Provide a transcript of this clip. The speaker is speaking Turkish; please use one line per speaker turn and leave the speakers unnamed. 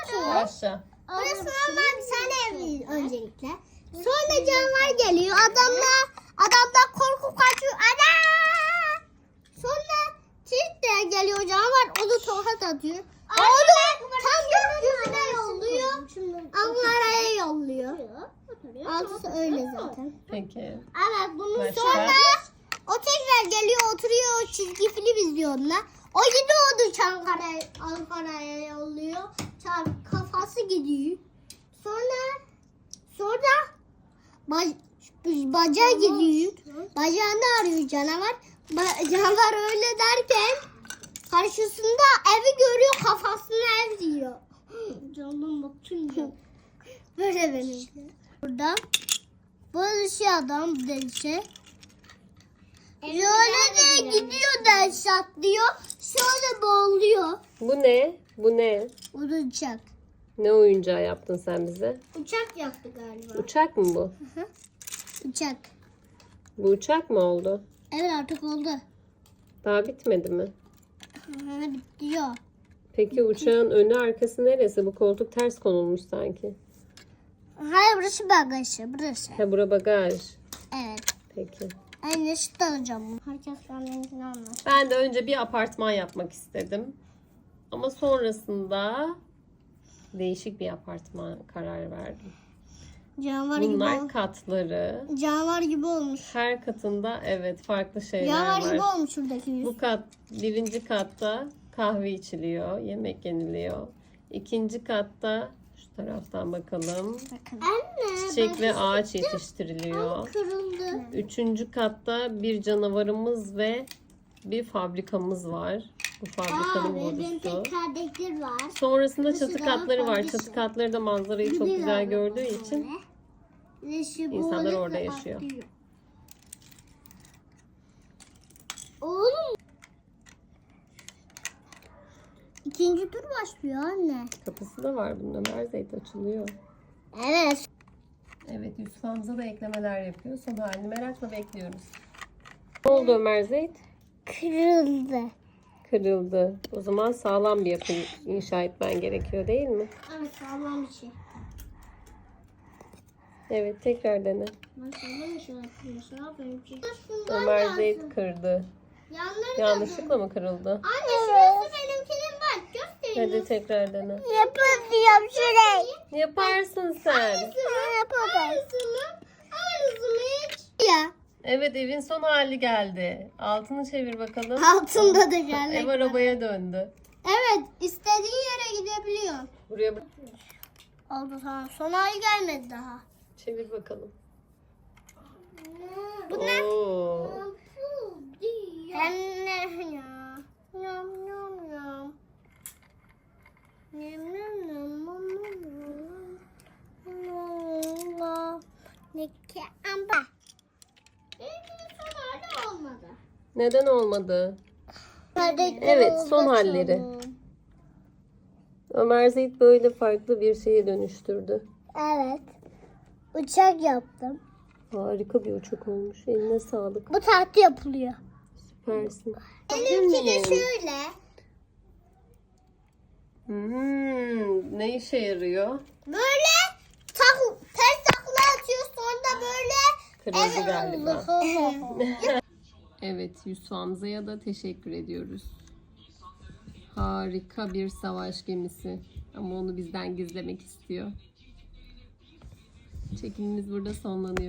Aşağı.
Burası normal bir tane ev öncelikle. Sonra canavar geliyor. Adamlar korku kaçıyor. Ana! Sonra Tilt'te geliyor canavar. Onu tokat atıyor. Onu tam gökyüzüne yolluyor. Ankara'ya yolluyor. Altısı öyle zaten.
Peki.
Evet bunun
Başka?
sonra o tekrar geliyor oturuyor çizgi film izliyor onlar. O yine onu Ankara'ya yolluyor. Kafası gidiyor. Sonra bacağı gidiyor. Bacağını arıyor canavar. Canavar öyle derken karşısında evi görüyor kafasına ev diyor. Canım bakınca. Böyle benim. Burada bu adam delişe. Şöyle de gidiyor ders atlıyor. Şöyle boğuluyor.
Bu ne? Bu ne?
Bu da uçak.
Ne oyuncağı yaptın sen bize?
Uçak yaptı galiba.
Uçak mı bu?
Uçak.
Bu uçak mı oldu?
Evet artık oldu.
Daha bitmedi mi?
Bitiyor.
Peki uçağın önü arkası neresi? Bu koltuk ters konulmuş sanki.
Hayır burası bagajı. Burası.
Ha bura bagaj.
Evet.
Peki.
Anne süt alacağım. Herkes kendini anlar.
Ben de önce bir apartman yapmak istedim. Ama sonrasında değişik bir apartman karar verdim.
Canavar
Bunlar
gibi
katları.
Canavar gibi olmuş.
Her katında evet farklı şeyler
Canavar
var.
gibi olmuş şuradaki yüz.
Bu birinci katta kahve içiliyor, yemek yeniliyor. İkinci katta şu taraftan bakalım.
Bakın. Anne.
Çiçek ve ağaç yetiştiriliyor.
Kırıldı.
Üçüncü katta bir canavarımız ve bir fabrikamız var. Bu fabrikanın
benim
borusu.
tek kardeşler var.
Sonrasında
Burası
çatı
da
katları var.
fabrika.
Çatı katları da manzarayı çok güzel gördüğü için insanlar orada yaşıyor.
Oğlum. İkinci tur başlıyor anne.
Kapısı da var bunun. Ömer Zeyt açılıyor.
Evet.
Evet Yusuf Hamza da eklemeler yapıyor. Son halini merakla bekliyoruz. Ne oldu Ömer Zeyt?
Kırıldı.
Kırıldı. O zaman sağlam bir yapı inşa etmen gerekiyor değil mi?
Evet sağlam bir şey.
Evet tekrar dene.
Ben sağlam bir şey yapıyorum. Benim şey.
Ömer Zeyt kırdı. Yanlışlıkla mı kırıldı?
Anne şurası benimkinin bak göstereyim.
Hadi tekrar dene.
Yapıyorum şurayı.
Yaparsın sen.
Aynısını hiç. Ya.
Evet evin son hali geldi. Altını çevir bakalım.
Altında da geldi.
Ev arabaya döndü.
Evet istediğin yere gidebiliyor.
Buraya bak.
Oldu tamam. Son hali gelmedi daha.
Çevir bakalım.
Bu ne?
Oo.
Hem ne ya? Yum yum yum. Yum yum yum yum. Ne ki amba? Benimkinin son hali olmadı.
Neden olmadı? Evet, son halleri. Ömer Zeyt böyle farklı bir şeye dönüştürdü.
Evet. Uçak yaptım.
Harika bir uçak olmuş. Eline sağlık.
Bu tahta yapılıyor.
Süpersin.
Benimki de şöyle.
Ne işe yarıyor?
Böyle ters takla atıyor sonra böyle.
Kırıldı galiba.
Evet.
Evet, Yusuf Hamza'ya da teşekkür ediyoruz. Harika bir savaş gemisi. Ama onu bizden gizlemek istiyor. Çekimimiz burada sonlanıyor.